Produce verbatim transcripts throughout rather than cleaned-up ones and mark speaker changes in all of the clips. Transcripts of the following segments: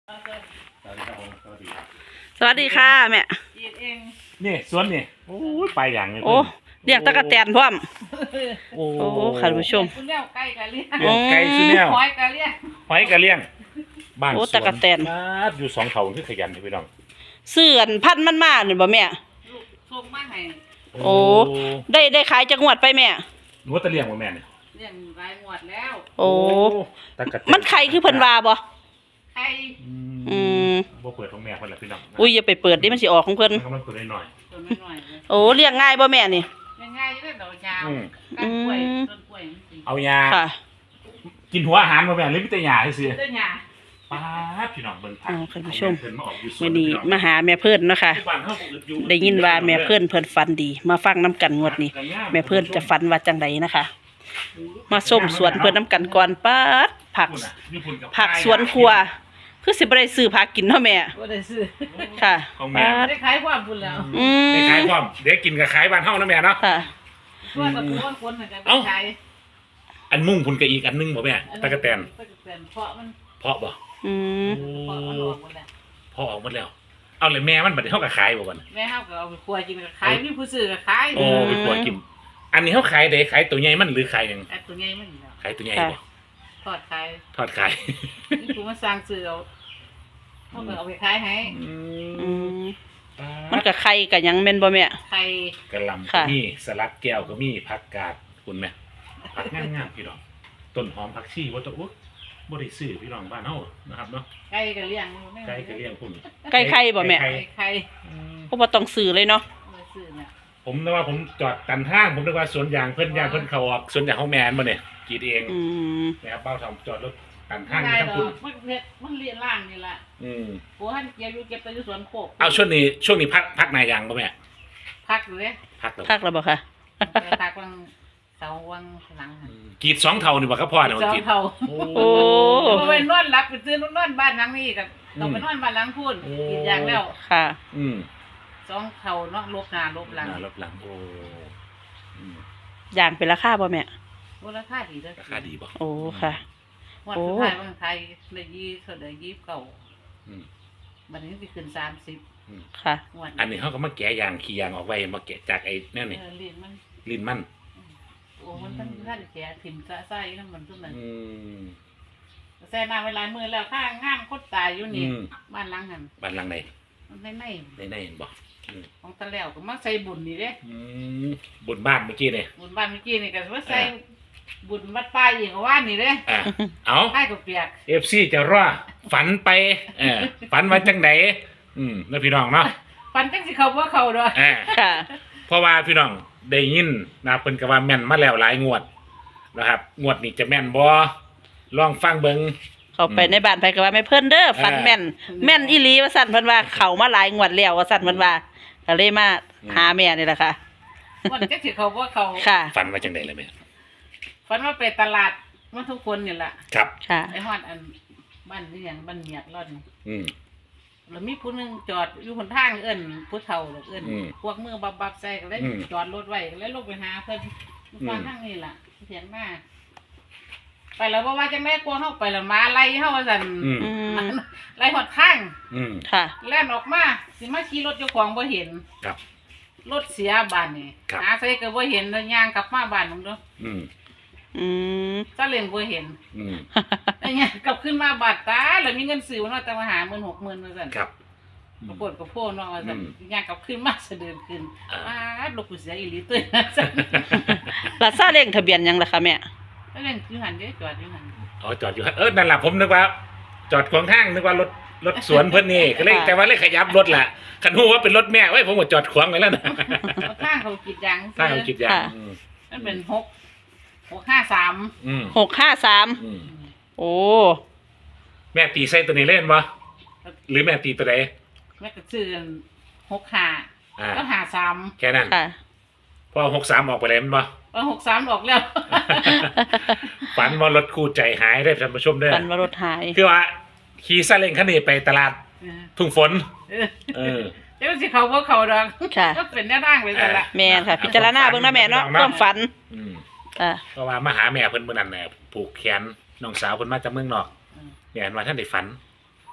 Speaker 1: สวัสดีครับผมสวัสดีครับ
Speaker 2: สวัสดีค่ะแม่
Speaker 3: ยีดเอง
Speaker 1: นี่สวนนี่โอ้ยไปอย่างนี้
Speaker 2: โอ้เลี้ยงตะกะแตนพร้อม
Speaker 1: โอ้
Speaker 2: โอ้ค่ะท่านผู้ชม
Speaker 3: คุณเลี้ยวไก่กะเลี้ยง
Speaker 1: เลี้ยงไก่ซื้อแนว
Speaker 3: หอยกะเลี้ยง
Speaker 1: หอยกระเลี้ยงบ้าน
Speaker 2: โอ้
Speaker 1: สวน
Speaker 2: ตะกะแตน
Speaker 1: มาดอยู่สองเขาคือขยันพี่น้อง
Speaker 2: เสื่อนพันธุ์มันมาเนี่ยบ่แม่
Speaker 3: ลูกส่งมาให้
Speaker 2: โอ้ ได้ได้ขายจักงวดไปแม่
Speaker 1: หนูว่าตะเลี้ยงบ่แม่เนี่ย
Speaker 3: เลี้ยงรายงวดแล้ว
Speaker 2: โอ้
Speaker 1: ตะกะแต
Speaker 2: มันไข่คือเพิ่นว่าบ่
Speaker 3: ไข่
Speaker 2: อืม
Speaker 1: บ่เปิดของแม่เพิ่นล่ะพี่น้อง
Speaker 2: อุ้ยอย่าไปเปิดดิมันสิออกของเพิ่น
Speaker 1: มันกำลังเปิดหน่อย
Speaker 3: ตัวน้อยๆเลย
Speaker 2: โอ้เลี้ยงง่ายบ่แม่นี่
Speaker 3: ง่ายๆเลยดอกยาว
Speaker 1: อืม
Speaker 3: ก้านกล้วย
Speaker 2: อืม
Speaker 3: ต้นกล้วยมันสิ
Speaker 1: ๆเอายา
Speaker 2: ค่ะ
Speaker 1: กินหัวอาหารบ่แม่หรือมีแต่ยาซื่อ
Speaker 3: ต้นหญ้า
Speaker 1: ๆป๊าดพี่น้องเบิ่งผัก
Speaker 2: อ๋อคุณผู้ชม
Speaker 1: เพิ่นมาออกอยู่สว
Speaker 2: มื้
Speaker 1: น
Speaker 2: อนี้
Speaker 1: พี่อง
Speaker 2: มาหาแม่เพิ่นเนาะค่ะ
Speaker 1: ที่บ้านเฮาก็อึดอยู่
Speaker 2: ได้ยินว่าแม่เพิ่นเพิ่นฝันดี มาฟังน้ำกันงวดนี้ แม่เพิ่นจะฝันว่าจังไดนะคะ มาส้มสวนเพิ่นน้ำกันก่อนป๊าดผัก
Speaker 1: พุ่นน่ะมีพุ่นกับ
Speaker 2: ผักสวนครัว คือสิบ่ได้ซื้อผักกินเนาะแม่
Speaker 3: บ่ได้ซื้อ
Speaker 2: ค่ะ
Speaker 1: ของแม่
Speaker 2: ป๊าด
Speaker 3: ได้ขายความบุญแล้ว
Speaker 2: อืม
Speaker 1: ได้ขายพร้อมเดี๋ยวกินกับขายบ้านเฮานะแม่เนาะ
Speaker 2: ค่ะ
Speaker 3: เพื่อนกับคนคนเหมือนกัน
Speaker 1: เอ้า
Speaker 3: ขาย
Speaker 1: อันมุ่งพุ่นกับอีกอันนึงบ่แม่ตะกะแตน
Speaker 3: ตะกะแตนเพราะมัน
Speaker 1: เพาะบ่
Speaker 2: อืม
Speaker 3: เพราะมันออกหมดแล้ว
Speaker 1: เพาะออกหมดแล้ว เอาเลยแม่มันบัดนี้เฮาก็ขายบ่บัดนี้
Speaker 3: แม่เฮาก็เอาไปครัวกินก็ขายมีผู้ซื้อก็ขาย
Speaker 1: โอ้ไปปล่อยกิน อันนี้เฮาขายได้ขายตัวใหญ่มันหรือขายหยัง
Speaker 3: แต่ตัวใหญ่มันอยู่แล้ว
Speaker 1: ขายตัวใหญ่บ่
Speaker 3: ทอดขาย
Speaker 1: ทอดขาย
Speaker 3: นี่กูมาสร้างซื้อเอาเขาก็เอาไปขายให้
Speaker 2: อืมมันก็ไข่ก็หยังแม่นบ่แม่
Speaker 3: ไข่
Speaker 1: กะหล่ำก็
Speaker 2: ค่ะ
Speaker 1: มีสลัดแก้วก็มีผักกาดคุณแม่ผักงามๆพี่น้องต้นหอมผักชีบ่ต้องอุ๊ยบ่ได้ซื้อพี่น้องบ้านเฮานะครับเนาะ
Speaker 3: ไก่ก็เลี้ยง
Speaker 1: ไก่ก็เลี้ยงพุ่น
Speaker 2: ไก่ไข่บ่แม่
Speaker 1: ไก่
Speaker 3: ไก่ไข่
Speaker 1: อืม
Speaker 2: ก็บ่ต้องซื้อเลยเนาะ
Speaker 3: มาซื้อเนี่ย
Speaker 1: ผมนึกว่าผมจอดกันทางผมนึกว่าสวนยางเพิ่นยางเพิ่นเข้าออกสวนยางของแม่นบ่เนี่ยกรีดเอง
Speaker 2: อืม
Speaker 1: นะครับเบ้าทำจอดรถกัน
Speaker 3: ไม่
Speaker 1: ทาง
Speaker 3: ได้
Speaker 1: ทั้ง
Speaker 3: ดอ
Speaker 1: คุณ
Speaker 3: กมันเฮ็ดมันเลี้ยงล่างนี่แหละ
Speaker 1: อืม
Speaker 3: โอ้ท่านเก็บอยู่เก็บไปอยู่สวนโคก
Speaker 1: เอาช่วงนี้ช่วงนี้พักพักนายยางป่ะแม่
Speaker 3: พักอยู่เลย
Speaker 1: พักแล้ว
Speaker 2: คักแล้วบ่ค่ะ
Speaker 3: ไปพักวังเสาวังหลัง
Speaker 1: อืมกรีดสองเท่านี่บ่ครับพ่อเนี่ย
Speaker 3: ส
Speaker 1: มัน
Speaker 3: อง
Speaker 1: กรีด
Speaker 3: เท่า
Speaker 1: โอ้
Speaker 2: โอ้
Speaker 3: เพราะไปนอนหลับไปซื้อนอนบ้านหลังนี้กันต้องไปนอนบ้านหลังพูนกินอย่างแล้ว
Speaker 2: ค่ะ
Speaker 1: อืม
Speaker 3: สองเท่าเนาะลบหน้าลบหลัง
Speaker 1: หน้ารถหลังโอ้อืม
Speaker 2: อย่างเป็นราคาบ่แม่
Speaker 3: มูลค่าดีเด้อ
Speaker 1: ราคาดีบ่
Speaker 2: โอ้ค่ะ
Speaker 3: วันสุดท้ายวันไทยเลยยี่เท่าใดยี่เก่า
Speaker 1: อืม
Speaker 3: บัดนี้สิขึ้นสามสิบ
Speaker 2: ค่ะ
Speaker 3: งวด
Speaker 1: อันนี้เขาก็มาแกะยางขี้ยางออกไว้มาแกะจากไอ้นั่นนี่
Speaker 3: เออเรียนมัน
Speaker 1: ลิ้นมัน
Speaker 3: โอ้มันท่านท่านแก่ถิ่มซะไส้น้ำมันทุกนั้น
Speaker 1: อืม
Speaker 3: แซ่น้ำเวลามือแล้วข้างงามคดตายอยู่นี่
Speaker 1: อืม
Speaker 3: บ้านหลังหัน
Speaker 1: บ้านหลังไหน
Speaker 3: มันในใน
Speaker 1: ได้ได้เห็นบ่อืม
Speaker 3: ของตะแล้วก็มาใส่บุญนี่เด้
Speaker 1: อืมบนบ้านเมื่อกี้เนี่ย
Speaker 3: บุญบ้านเมื่อกี้นี่ก็ว่าใส่บุญวัดป้ายอีกว่านี่เด้
Speaker 1: อ่ะเอา
Speaker 3: ป้ายก็เปียก
Speaker 1: เอฟซีจะรอฝันไปเออฝันว่าจังไดอืมแล้วพี่น้องเนาะ
Speaker 3: ฟันจังสิเขาบ่เขาดอก
Speaker 1: อ่า
Speaker 2: ค่ะ
Speaker 1: เพราะว่าพี่น้องได้ยินนะครับเพิ่นก็ว่าแม่นมาแล้วหลายงวดนะครับ งวดนี้จะแม่นบ่ลองฟังเบิ่ง
Speaker 2: เข้าไปในบ้านไปก็ว่าแม่เพิ่นเด้อฝันแม่น แม่นอีหลีว่าซั่นเพิ่นว่าเข้ามาหลายงวดแล้วว่าซั่นเพิ่นว่าก็เลยมาหาแม่นี่แหละค่ะ
Speaker 3: วันจังสิเขาบ่เขา
Speaker 2: ค่ะ
Speaker 1: ฝันว่าจังไดล่ะแม่
Speaker 3: ฟันว่าไปตลาดมันทุกคนนี่ล่ะ
Speaker 1: ครับ
Speaker 2: ค่ะ
Speaker 3: ไอ้ฮอดอันบ้านนี่หยังบ้านเมียดรอดนี่
Speaker 1: อืม
Speaker 3: แล้วมีผู้หนึงจอดอยู่หนทางเอิ้นผู้เฒ่าดอกเอิ้น
Speaker 1: อืม
Speaker 3: พวกมือบับบับใส่ก็เลย
Speaker 1: อืม
Speaker 3: จอดรถไว้ก็เลยลงไปหาเพิ่นฟังทางนี้ล่ะเถียงมาไปแล้วบ่ว่าจังได๋กลัวเฮาไปแล้วมาไล่เฮาว่าซั่น
Speaker 1: อืม
Speaker 2: อืม
Speaker 3: ไล่ฮอดข้าง
Speaker 1: อืม
Speaker 2: ค่ะ
Speaker 3: แล่นออกมาสิมาขี่รถเจ้าของบ่เห็น
Speaker 1: ครับ
Speaker 3: รถเสียบ้านนี่
Speaker 1: ครับ
Speaker 3: หาใส่ก็บ่เห็นแล้วย่างกลับมาบ้านผมเด้อ
Speaker 1: อืม
Speaker 2: อืม
Speaker 3: ซาเล้งบ่เห็น
Speaker 1: อืม
Speaker 3: แล้วย่างกลับขึ้นมาบาดตาแล้วมีเงินซื้อมันว่าแต่ว่าหาหมื่นหกหมื่นว่าซั่น
Speaker 1: ครับ
Speaker 3: ปรากฏกับโพเนาะว่าซั่น
Speaker 1: อืม
Speaker 3: ย่างกลับขึ้นมาสะเดินขึ้น
Speaker 1: อ่า
Speaker 3: อ้าลูกกูเสียอีหลีตัวนะซั่น
Speaker 2: ลาซาเล้งทะเบียนหยังล่ะคะแม่
Speaker 3: แล้วเล่นอยู่หั่นเด้จอดอยู่หั่น
Speaker 1: อ๋อจอดอยู่ฮะเออนั่นล่ะผมนึกว่า จอดขวางทางนึกว่ารถรถสวนเพิ่นนี่ก็เลยแต่ว่าเลยขยับรถล่ะคันฮู้ว่าเป็นรถแม่ไว้ยผมก็จอดขวางไว้แล้วนะ
Speaker 3: เอาข้างเขากรีดยาง
Speaker 1: ถ้าเอาคิดอย่าง
Speaker 2: ค่ะ
Speaker 1: อืม
Speaker 3: มันเป็นหก หกห้าสาม
Speaker 1: อืม
Speaker 2: หกห้าสาม
Speaker 1: อืม
Speaker 2: โอ้
Speaker 1: แม่ตีใส่ตัวนี้เล่นบ่หรือแม่ตีตัวใด
Speaker 3: แม่ก็ซื้อหกห้า
Speaker 1: อ่า
Speaker 3: ก็หาสาม
Speaker 1: แค่นั้น
Speaker 2: ค่ะ
Speaker 1: พอหกสามออกไปแล้วแมันบ่
Speaker 3: เออหกสามออกแล้ว
Speaker 1: ฝันว่ารถคู่ใจหายได้ท่านผู้ชมเด้อ
Speaker 2: ฝันว่ารถหาย
Speaker 1: คือว่าขี่ซาเล้งคันนี้ไปตลาด
Speaker 3: เออ
Speaker 1: ทุ่งฝน
Speaker 3: เออ
Speaker 1: เออ
Speaker 3: เจ้าสิเขาบ่เขาดอก
Speaker 2: ค่ะ
Speaker 3: ก็เป็นแนวทางไปซะละ
Speaker 2: แม่นค่ะ พิจารณาเบิ่งนะแม่เนาะความฝัน
Speaker 1: อืม
Speaker 2: ค่ะ
Speaker 1: เพราะว่ามาหาแม่เพิ่นมื้อนั้นน่ะผูกแขนน้องสาวเพิ่นมาจากเมืองนอก
Speaker 3: อืม
Speaker 1: เนี่ยเห็นว่าท่านได้ฝัน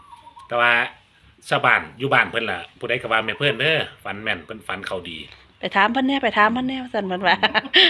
Speaker 1: แต่ว่าชาวบ้านอยู่บ้านเพิ่นล่ะผู้ใดก็ว่าแม่เพิ่นเด้อฝันแม่นเพิ่นฝันเขาดี
Speaker 2: ไปถามเพิ่นแหน่ไปถามเพิ่นแหน่ว่าซั่นเพิ่นว่า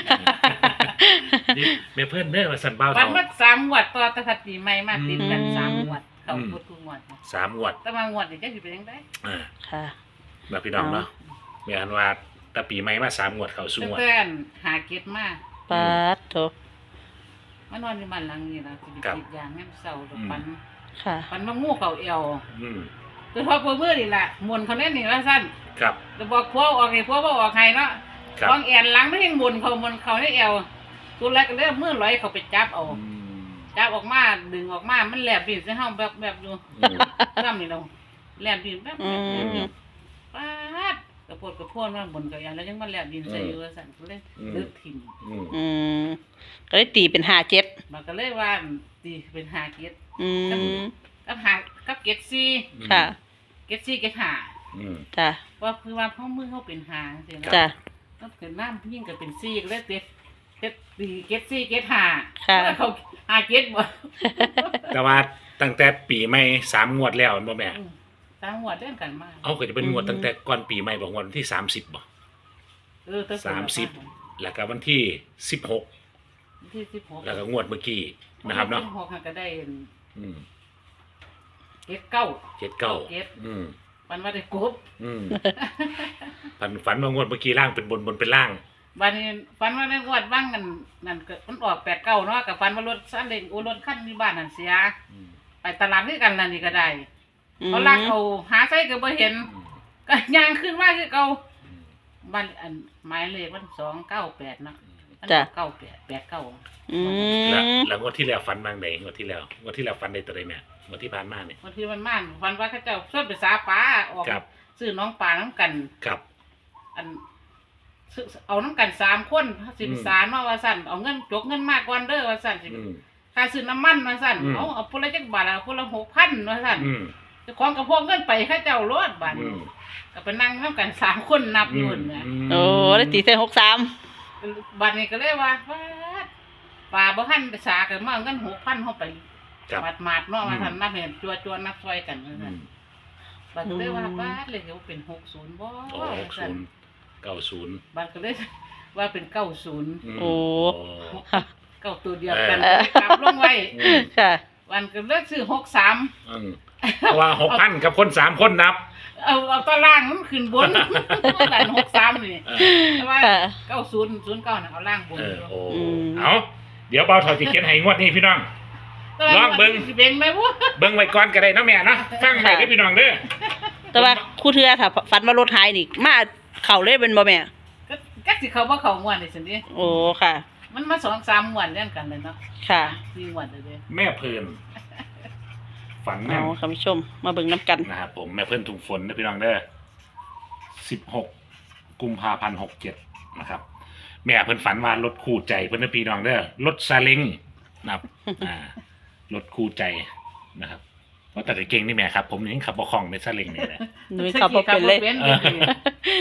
Speaker 1: นี่แม่เพิ่นเด้อว่าซั่นเบา
Speaker 3: วัน
Speaker 1: เฒ่า
Speaker 3: มาสามงวดต่อแต่ถ้าปีใหม่มาติดกัน
Speaker 2: อืม
Speaker 3: สามงวดเข้าหมดทุกงวด
Speaker 1: สามงวด
Speaker 3: แต่ว่างวดนี่จักสิเป็นจังได๋
Speaker 1: อ่า
Speaker 2: ค่ะ
Speaker 1: แบบพี่น้องเนาะแม่อันว่าแต่ปีใหม่มาสามงวดเข้าสู่
Speaker 3: ตั้
Speaker 1: ง
Speaker 3: ง
Speaker 1: วด
Speaker 3: แต่หาเก็บมา
Speaker 2: ปาดโถ
Speaker 3: มานอนอยู่บ้านหลังนี้ล่ะสิไป
Speaker 1: ครับ
Speaker 3: กรีดยางให้มันเศร้าดอกปัน
Speaker 2: ค่ะ
Speaker 3: ปันมางูเข้าเอว
Speaker 1: อืม
Speaker 3: คือพอเพิ่นมือนี่ล่ะมวนเขาแน่นี่ว่าซั่น
Speaker 1: ครับ
Speaker 3: แล้วบอกพวกออกให้พวกบ่ออกให้เนาะ
Speaker 1: ครับ
Speaker 3: วางแอนหลังไม่ให้มวนเขามวนเขาในเอวตัวแรกก็เลยมือลอยเขาไปจับเอา
Speaker 1: อืม
Speaker 3: จับออกมาดึงออกมามันแลบดินใส่เฮาแบบแบบอยู่
Speaker 1: อืม
Speaker 3: ซ้ำนี่เราแลบดินแบบ
Speaker 2: อื
Speaker 3: แบบ
Speaker 2: ม
Speaker 3: ป๊าดกระโพดกระโพดมาบนกับยานแล้วยังมาแลบดินใส่อยู่ว่าซั่นก็เลยลึกถิ่ม
Speaker 1: อืม
Speaker 2: อืมก็เลยตีเป็นห้าเจ็ด
Speaker 3: มันก็เลยว่าตีเป็นหาเกต
Speaker 2: อืม
Speaker 3: กับหากับเกตซี
Speaker 2: ค่ะ
Speaker 3: เกตซีเกตหา
Speaker 1: อืม
Speaker 2: จ้ะ
Speaker 3: ว่าคือว่าพ่อมือเขาเป็นหาจังซี่นะ
Speaker 2: จ้ะ
Speaker 3: ก็เกิดน้ำยิ่งก็เป็นซีก็เลยเต็ดเต็ดตีเกตซีเกตหา
Speaker 2: ค่ะ
Speaker 3: แล้วเขาหาเกตบ่
Speaker 1: แต่ว่าตั้งแต่ปีใหม่สามงวดแล้วบ่แม่
Speaker 3: อืมตามหัวเล่นกันมาก
Speaker 1: เอาก็จะเป็นงวดตั้งแต่ก่อนปีใหม่บ่งวดวันที่สามสิบบ่
Speaker 3: เออแต่
Speaker 1: สามสิบ แล้วก็วันที่สิบหก
Speaker 3: ที่สิบหก
Speaker 1: แล้วก็งวดเมื่อกี้นะครับเนาะ
Speaker 3: สิบหกก็ได้
Speaker 1: อืม
Speaker 3: เกตเก้า
Speaker 1: เจ็ดเก้า
Speaker 3: เกต
Speaker 1: อืม
Speaker 3: มันว่าได้กบ
Speaker 1: อืมฝันฝันว่างวดเมื่อกี้ล่างเป็นบนบนเป็นล่าง
Speaker 3: วันนี้ฟันว่าในงวดบ้างนั่นนั่นก็มันออกแปดเก้าเนาะกับฟันว่ารถซาเล้งโอรถขั้นที่บ้านนั่นเสีย
Speaker 1: อืม
Speaker 3: ไปตลาดด้วยกันนั่นนี่ก็ได้
Speaker 2: อืม
Speaker 3: เขาลากเอาหาไส้ก็บ่เห็น
Speaker 1: อืม
Speaker 3: ก็ย่างขึ้นมาคือเก่า
Speaker 1: อืม
Speaker 3: บ้านอันหมายเลขมันสองเก้าแปดเนาะมัน
Speaker 2: จ้ะ
Speaker 3: เก้าแปดแปดเก้า
Speaker 2: อื
Speaker 1: แล้ว
Speaker 2: ม
Speaker 1: แล้วงวดที่แล้วฝันบางไหนงวดที่แล้วงวดที่แล้วฝันในตัวใดแม่งวดที่ผ่านมาเนี่ย
Speaker 3: บางทีมันม่านฟันว่าเขาเจ้าชวนไปสาปลาออก
Speaker 1: ครับ
Speaker 3: ซื้อน้องปลาน้ำกัน
Speaker 1: ครับ
Speaker 3: อันซื้อเอาน้ำกันสามคนสิบสารมาว่าสั่นเอาเงินจกเงินมากกว่าเด้อว่าสั่นสิ
Speaker 1: อืม
Speaker 3: ค่าซื้อน้ำมันว่าสั่น
Speaker 1: อืม
Speaker 3: เอาเอาพนละจักบาทละพนละหกพันว่าสั่น
Speaker 1: อืม
Speaker 3: เจ้าของกระพวกเงินไปเข้าเจ้ารถบาท
Speaker 1: อืม
Speaker 3: ก็ไปนั่งน้ำกันสามคนนับอยู่เนี่ย
Speaker 2: โอ้ได้ตีเส้นหกสาม
Speaker 3: บาทนี้ก็เลยว่าฟาดป่าบ่ทันไปสากันมาเอาเงินหกพันเข้าไป
Speaker 1: ครับ
Speaker 3: มาดมาดๆเนาะ
Speaker 1: อืม
Speaker 3: มาทำนับเห็นจัวจัวๆนับซอยกันว่า
Speaker 1: อื
Speaker 3: ซั่น
Speaker 1: ม
Speaker 3: บาทก็เลยว่าบาทเลยว่าเป็นหกศูนย์บ่
Speaker 1: โอ้หก
Speaker 3: ซั่
Speaker 1: ศู
Speaker 3: น
Speaker 1: นย์เก้าศูนย์
Speaker 3: บาทก็เลยว่าเป็นเก้าศูนย์
Speaker 1: ม
Speaker 2: โอ้
Speaker 3: เก้าตัวเดียวกัน
Speaker 2: เออ
Speaker 3: กลับลงไว้
Speaker 1: อืม
Speaker 2: ค่ะ
Speaker 3: วันก็เลิกซื้อหกสาม
Speaker 1: อืมเพราะว่าหกพันกับคนสามคนนับ
Speaker 3: เอาเอาตารางมันขึ้นบน หลานหกสามนี่
Speaker 1: เออ
Speaker 3: แต่ว่า
Speaker 2: ค่ะ
Speaker 3: เก้าศูนย์ศูนย์เก้าน่ะเอาล่างบน
Speaker 1: เออโอ้
Speaker 2: อืม
Speaker 1: เอาเดี๋ยวเบาเถอดจิเขียนให้งวดนี้พี่น้อง
Speaker 3: แต่ว่า
Speaker 1: ลองเบิ่ง
Speaker 3: สิเบ่งไหมวะ
Speaker 1: เบิ่งไว้ก่อนก็ได้เนาะแม่เนาะฟังไว้เด้อพี่น้องเด้อ
Speaker 2: แต่ว่าครู่เทือถ้าฝันว่ารถหายนี่มาเข่าเลยเป็นบ่แม่
Speaker 3: ก็ก็สิเขาบ่เขาม่วนนี่สินี่
Speaker 2: โอ้ค่ะ
Speaker 3: มันมาสองสามม่วนเรื่องกันเลยเนาะ
Speaker 2: ค่ะ
Speaker 3: สี่ม่วนเลยเด้
Speaker 1: แม่เพิ่นฝันแม่
Speaker 2: เอา
Speaker 1: น
Speaker 2: คุณผู้ชม มาเบิ่งน้ำกัน
Speaker 1: นะครับผมแม่เพิ่นถุงฝนนะพี่น้องเด้อสิบหกกุมภาพันธ์หกเจ็ดนะครับ แม่เพิ่นฝันว่ารถคู่ใจเพิ่นนะพี่น้องเด้อรถซาเล้งนะครับ อ่ารถคู่ใจนะครับเพราะแต่เก่งนี่แม่ครับ ผมยังขับบ่คล่องในซาเล้งนี่แหละ
Speaker 2: หนุ่ยขับบ่เป็นเลย
Speaker 3: ขับบ่เป็นเลย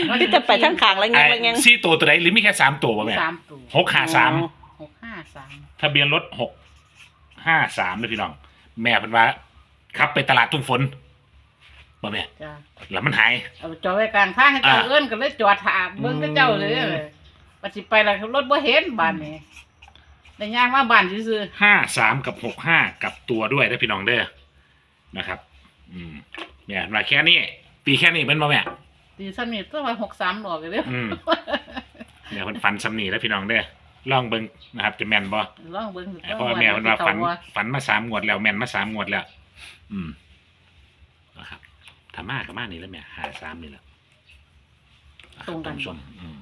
Speaker 2: ที่จะไปทั้งขางแล้วยังแล้วยัง
Speaker 1: สี่ตัวตัวไหนหรือมีแค่สามตัววะแม่
Speaker 3: สามตัว
Speaker 1: หกห้าสาม
Speaker 3: หกห้าสาม
Speaker 1: ทะเบียนรถหกห้าสามเลยพี่น้อง แม่เพิ่นว่าขับไปตลาดทุ่งฝนบ่แม่
Speaker 3: จ้า
Speaker 1: แล้วมันหาย
Speaker 3: เอาจอดไว้กลางทางให้เจ้า
Speaker 1: อ่า
Speaker 3: เอิ้นก็เลยจอดถามเบิ่งกับเจ้าเลยเลยปัจจิไปแล้วรถบ่เห็นบ้านนี้ได้ย่างมาบ้านซื่อ
Speaker 1: ห้าสามกับหกห้ากับตัวด้วยได้อพี่น้องเด้อนะครับ อืมแม่เพิ่นว่าแค่นี้ ปีแค่นี้เป็นบ่แม่
Speaker 3: ๆตีซ้ำนี่ตัวว่าหกสามดอกเลยเด้อ
Speaker 1: อืม แม่เพิ่นฝันซ้ำนี่แล้วพี่น้องเด้อลองเบิ่งนะครับ จะแม่นบ่
Speaker 3: ลองเบิ่ง
Speaker 1: เพราะว่าแม่เพิ่นว่าฝันฝันมาสามงวดแล้วแม่นมาสามงวดแล้ว อืมนะครับถ้ามาก็มานี่แล้วแม่หาสามนี่แหละอ่ะ
Speaker 3: ตรงกัน
Speaker 1: ท่าผู้ชมอืม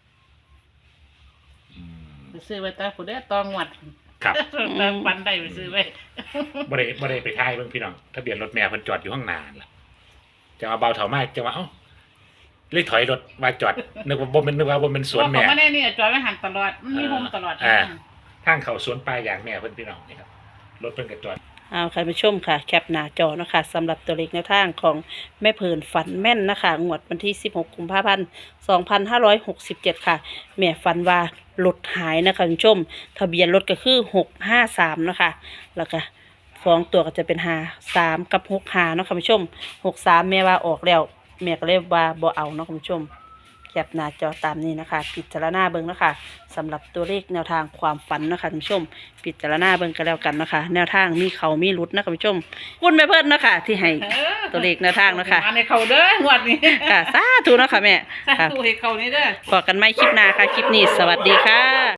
Speaker 1: อืม
Speaker 3: ไปซื้อไว้ตาผู้ใดตองวด
Speaker 1: ครับ
Speaker 3: ตามปันได้ไปซื้อไว้
Speaker 1: บ่ได้บ่ได้ไปทายเบิ่งพี่น้องทะเบียนรถแม่เพิ่นจอดอยู่ข้างหน้านั่นล่ะจะมาเบาเถามากจะว่าเอ้าเลยถอยรถมาจอดนึกว่าบ่แม่นนึกว่าบ่แม่นสวนแม่
Speaker 3: เพราะเขาไม่ได้นี่จอดไว้หันตลอดมันมีโฮมตลอด
Speaker 1: อ่า ทางเข้าสวนปลายอย่างแม่เพิ่นพี่น้องนี่ครับรถเพิ่นก็จอด
Speaker 2: เอาค่ะผู้ชมค่ะ แคปหน้าจอนะคะสำหรับตัวเลขแนวทางของแม่เพิ่นฝันแม่นนะคะงวดวันที่สิบหกกุมภาพันธ์สองพันห้าร้อยหกสิบเจ็ดค่ะ แม่ฝันว่ารถหายนะคะคุณผู้ชม ทะเบียนรถก็คือหกห้าสามนะคะแล้วก็สองตัวก็จะเป็นห้าสามกับหกห้าเนาะค่ะคุณผู้ชมหกสามแม่ว่าออกแล้วแม่ก็เลยว่าบ่เอาเนาะคุณผู้ชมแคปหน้าจอตามนี้นะคะพิจารณาเบิ่งนะคะสำหรับตัวเลขแนวทางความฝันนะคะคุณผู้ชมพิจารณาเบิ่งกันแล้วกันนะคะ แนวทางมีเขามีรุดนะคุณผู้ชมคุณแม่เพิ่นนะคะที่ให้ตัวเลขแนวทางนะคะ
Speaker 3: มาในเขาเด้องวดนี้
Speaker 2: ค่ะสาธุเนาะค่ะแม่
Speaker 3: สา
Speaker 2: ค่ะ
Speaker 3: ธุให้เขานี่เด้อ
Speaker 2: พบกันใหม่คลิปหน้าค่ะคลิปนี้สวัสดีค่ะ